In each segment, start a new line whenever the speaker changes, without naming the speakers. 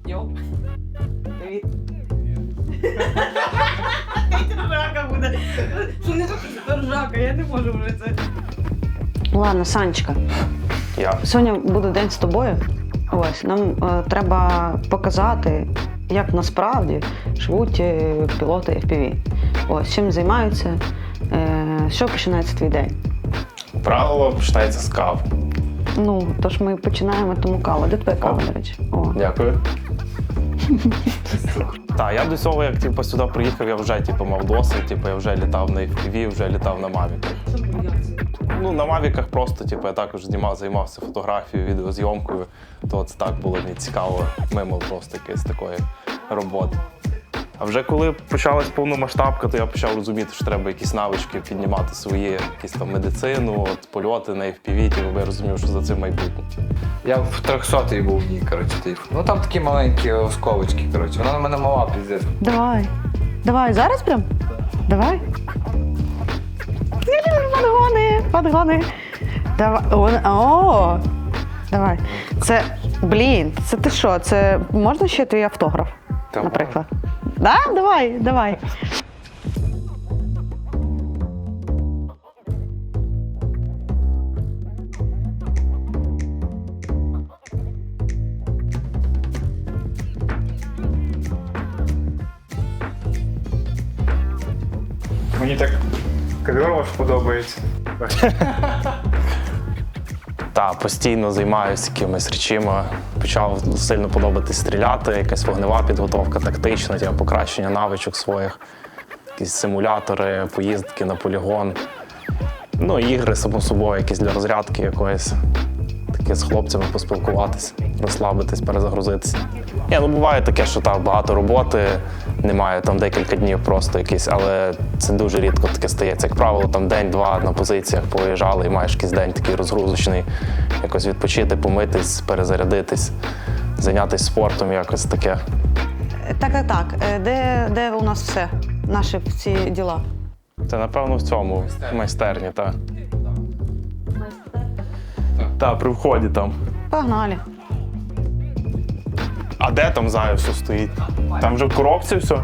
Йоу. Привіт. Ржака буде. Що не ржака, я не можу вже це. Ладно, Санечка. Сьогодні буде день з тобою. Ось, нам треба показати, як насправді живуть пілоти FPV. Ось, чим займаються, що починається твій день.
Правило починається з кави.
Ну, тож ми починаємо тому каву. Де твоя кава, до речі? О.
Дякую. Так, я до цього, як сюди приїхав, я вже мав досвід, я вже літав на FPV, вже літав на мавіках. Ну, на мавіках просто, я також займався фотографією, відеозйомкою, то це так було мені цікаво, мимо просто якоїсь такої роботи. А вже коли почалась повномасштабка, то я почав розуміти, що треба якісь навички піднімати свої, якісь там медицину, польоти на FPV, бо я розумів, що за цим майбутнє.
Я в 300-й був в ній, Ну там такі маленькі осколочки, Вона на мене мала, піздець.
Давай. Давай, зараз прям? Давай. Подгони. Давай. О! Давай. Це, це ти що? Це можна ще твій автограф, наприклад? Да? Давай.
Мені так ковер ваш подобається.
Так, постійно займаюся якимись речами. Почав сильно подобатись стріляти, якась вогнева підготовка, тактична, покращення навичок своїх, якісь симулятори, поїздки на полігон. Ну, ігри, само собою, якісь для розрядки якоїсь. Таке з хлопцями поспілкуватись, розслабитись, перезагрузитися. Буває таке, що багато роботи, немає декілька днів просто якісь, але це дуже рідко таке стається. Як правило, день-два на позиціях поїжджали і маєш якийсь день такий розгрузочний, якось відпочити, помитись, перезарядитись, зайнятися спортом, якось таке.
Так. Де у нас все? Наші всі діла?
Це, напевно, в цьому майстерні, так. Так, при вході там.
Погнали.
А де там зараз все стоїть? Там вже в коробці все?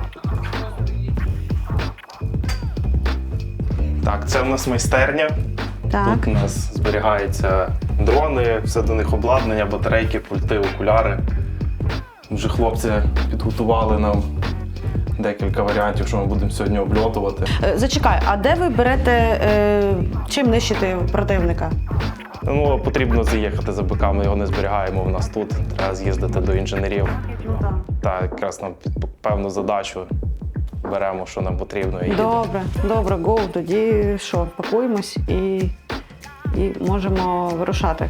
Так, це в нас майстерня.
Так.
Тут у нас зберігаються дрони, все до них обладнання, батарейки, пульти, окуляри. Вже хлопці підготували нам декілька варіантів, що ми будемо сьогодні обльотувати.
Зачекай, а де ви берете, чим нищити противника?
Ну, потрібно заїхати за БК, ми його не зберігаємо у нас тут. Треба з'їздити до інженерів. Так, якраз нам під певну задачу беремо, що нам потрібно. І
Добре, гоу. Тоді що, пакуємось і можемо вирушати.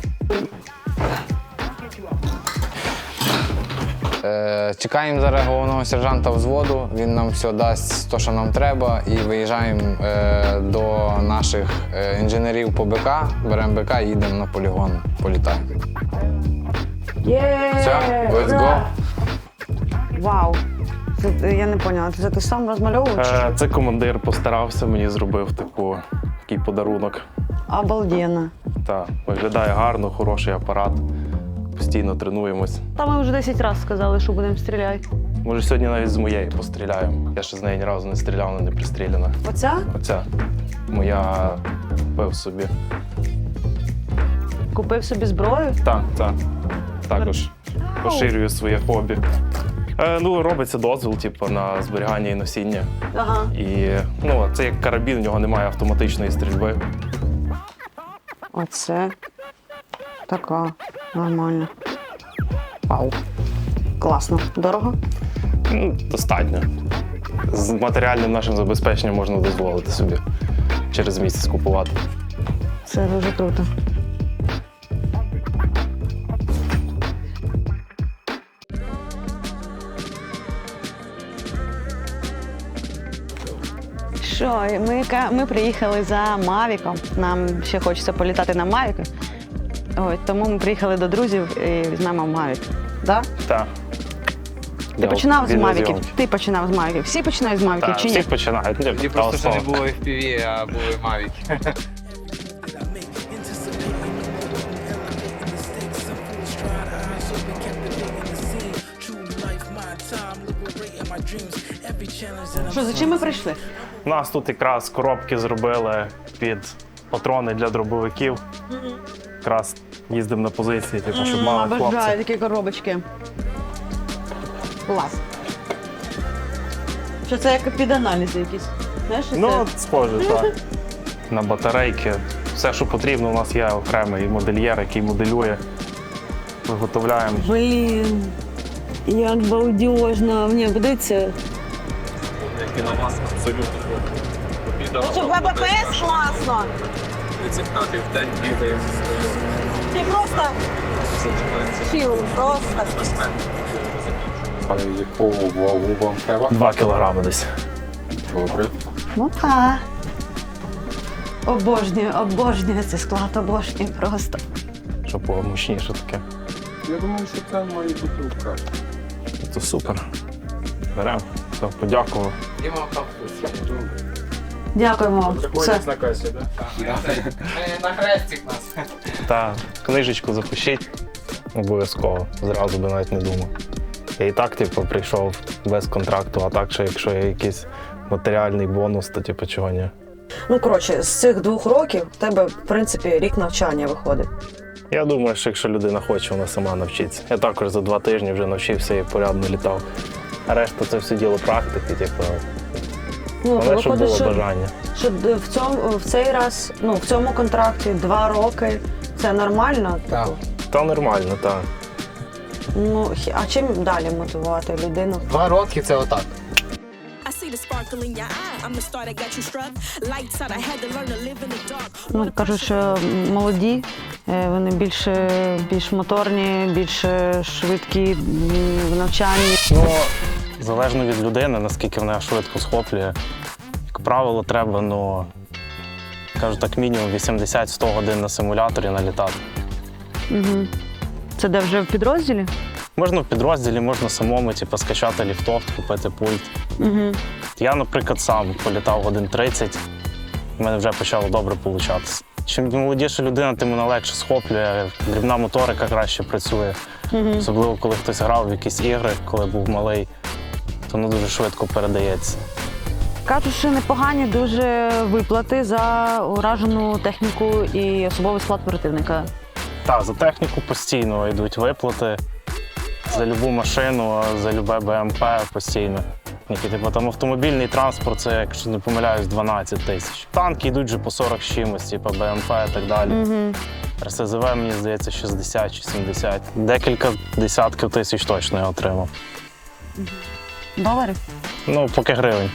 Чекаємо зараз головного сержанта взводу, він нам все дасть те, що нам треба, і виїжджаємо до наших інженерів по БК, беремо БК і їдемо на полігон, політаємо. Все, let's go.
Вау, я не поняла, це ти сам розмальовуєш?
Це командир постарався, мені зробив такий подарунок.
Обалденно.
Так, виглядає гарно, хороший апарат. Постійно тренуємось.
Та ми вже 10 разів сказали, що будемо стріляти.
Може, сьогодні навіть з моєї постріляємо. Я ще з неї ні разу не стріляв, вона не пристріляна.
Оця?
Оця. Моя купив собі.
Купив собі зброю?
Так. Також поширюю своє хобі. Робиться дозвіл на зберігання і носіння.
Ага.
І це як карабін, в нього немає автоматичної стрільби.
Оце така нормальна. Вау. Класно. Дорого?
Достатньо. З матеріальним нашим забезпеченням можна дозволити собі через місяць купувати.
Це дуже круто. Що, ми приїхали за Мавіком. Нам ще хочеться політати на Мавіку. Тому ми приїхали до друзів і візьмемо Мавік. Так?
Так.
Ти починав з Мавіків? Ти починав з Мавіків. Всі починають з Мавіків чи ні?
Всі починають.
Тоді просто ще не було FPV, а були Mavic.
Що, за чим ми прийшли?
У нас тут якраз коробки зробили під патрони для дробовиків. Якраз їздимо на позиції, типу, щоб мали
Обожаю
хлопці.
такі коробочки. Клас. Що це як під аналізи якісь? Знаєш, що
Ну,
це?
от схоже, так. На батарейки. Все, що потрібно, у нас є окремий модельєр, який моделює. Виготовляємо.
Блін, як балдежно. Мені подивіться. Що, ВПС класно. Ти просто чіл, просто.
Яку вагу вам треба?
2 кілограми десь.
Добре.
Ну так. Обожнюю цей склад, обожнюю просто.
Щоб було мощніше таке.
Я думаю, що це має бути в краще.
Це супер. Беремо. Все, подякував.
Дякуємо вам. Все.
на касі, так?
На хрестик нас.
Та книжечку запишіть. Обов'язково. Зразу би навіть не думав. Я і так, типу, прийшов без контракту, а так, що якщо є якийсь матеріальний бонус, то типу чого ні.
Ну, коротше, з цих 2 років в тебе, в принципі, рік навчання виходить.
Я думаю, що якщо людина хоче, вона сама навчиться. Я також за 2 тижні вже навчився і порядно літав. А решта це все діло практики, типу.
Ну,
Але щоб
виходить,
було бажання.
що в цей раз, ну, в цьому контракті 2 роки, це нормально?
Так.
Типу?
Та нормально, так.
Ну, а чим далі мотивувати людину?
2 роки це отак.
I see the sparkle in your eye. I'm the star that got you struck. Lights out. I had to learn to live in the dark.
Ну, кажуть, що молоді, вони більш моторні, більш швидкі в навчанні.
Ну, залежно від людини, наскільки вона швидко схоплює. Як правило, треба, ну, кажу так, мінімум 80-100 годин на симуляторі налітати.
Угу. Це де вже в підрозділі?
Можна в підрозділі, можна самому, типу, скачати ліфтофт, купити пульт.
Угу.
Я, наприклад, сам політав годин 30, в мене вже почало добре получатися. Чим молодіша людина, тим вона легше схоплює, дрібна моторика краще працює. Особливо, коли хтось грав в якісь ігри, коли був малий, то воно дуже швидко передається.
Кажуть, що непогані дуже виплати за уражену техніку і особовий склад противника.
Так, за техніку постійно йдуть виплати, за любу машину, за любе БМП постійно. Типу, там автомобільний транспорт, це, якщо не помиляюсь, 12 тисяч. Танки йдуть вже по 40 з чимось, типу БМП і так далі. РСЗВ, мені здається, 60 чи 70. Декілька десятків тисяч точно я отримав.
Доларів?
Ну, поки гривень.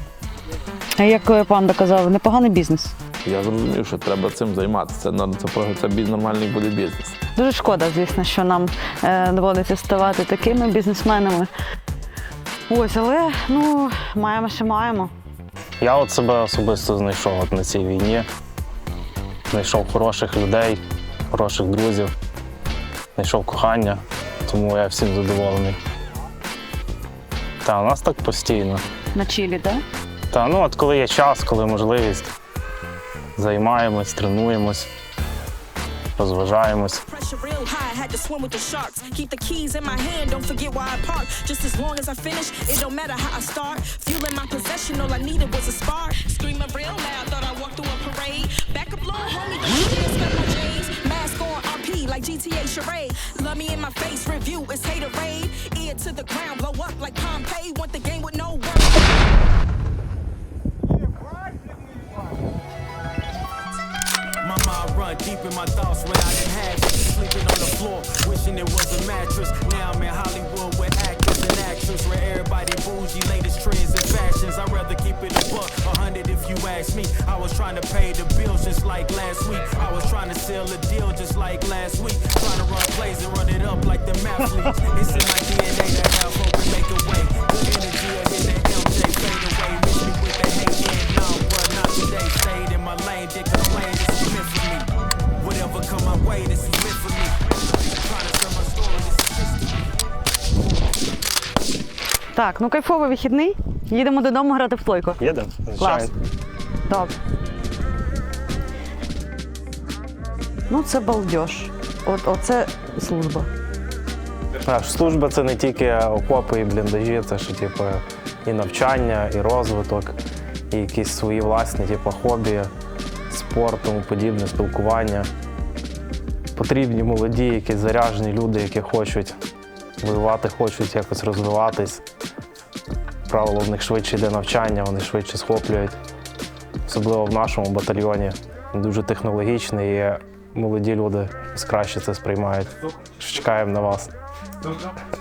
А як пан доказав, непоганий бізнес.
Я зрозумів, що треба цим займатися. Це нормальний буде бізнес.
Дуже шкода, звісно, що нам доводиться ставати такими бізнесменами. Ось, але ну, маємо, що маємо.
Я от себе особисто знайшов от на цій війні. Знайшов хороших людей, хороших друзів, знайшов кохання, тому я всім задоволений. Та у нас так постійно.
На чилі, так?
Та ну от коли є час, коли можливість, займаємось, тренуємось, розважаємось.
Pressure real high. Had to swim with the sharks. Keep the keys in my hand. Don't forget why I park. Just as long as I finish, it don't matter how I start. Fueling my possession. All I needed was a spark. Screaming real loud. Thought I walked through a parade. Back up low, homie. Don't spend my J's. Mask on RP like GTA charade. Love me in my face. Review is hater raid. Ear to the ground. Blow up like Pompeii. Want the game with no work.
My mind run deep in my thoughts when I didn't have it. Sleeping on the floor, wishing it was a mattress. Now I'm in Hollywood with actors and actresses, where everybody bougie, latest trends and fashions. I'd rather keep it a buck, 100 if you ask me. I was trying to pay the bills just like last week. I was trying to sell a deal just like last week. Trying to run plays and run it up like the athletes. It's in my DNA to have hope and make a way. Good energy, I hit that MJ fade away. Miss me with the hate, yeah, no, but not today. Stayed in my lane, did complain, this is meant for me. Whatever come my way, this is meant for me. Trying to tell my story, this is history.
Так, ну кайфовий вихідний. Їдемо додому грати в плойку.
Їдемо?
Клас. Добре. Ну, це балдеж. Оце служба.
Служба це не тільки окопи і бліндажі, це ще типу, і навчання, і розвиток, і якісь свої власні типу, хобі, спорт, тому подібне, спілкування. Потрібні молоді, якісь заряджені люди, які хочуть воювати, хочуть якось розвиватись. Правило, в них швидше йде навчання, вони швидше схоплюють. Особливо в нашому батальйоні. Він дуже технологічний і молоді люди краще це сприймають. Чекаємо на вас.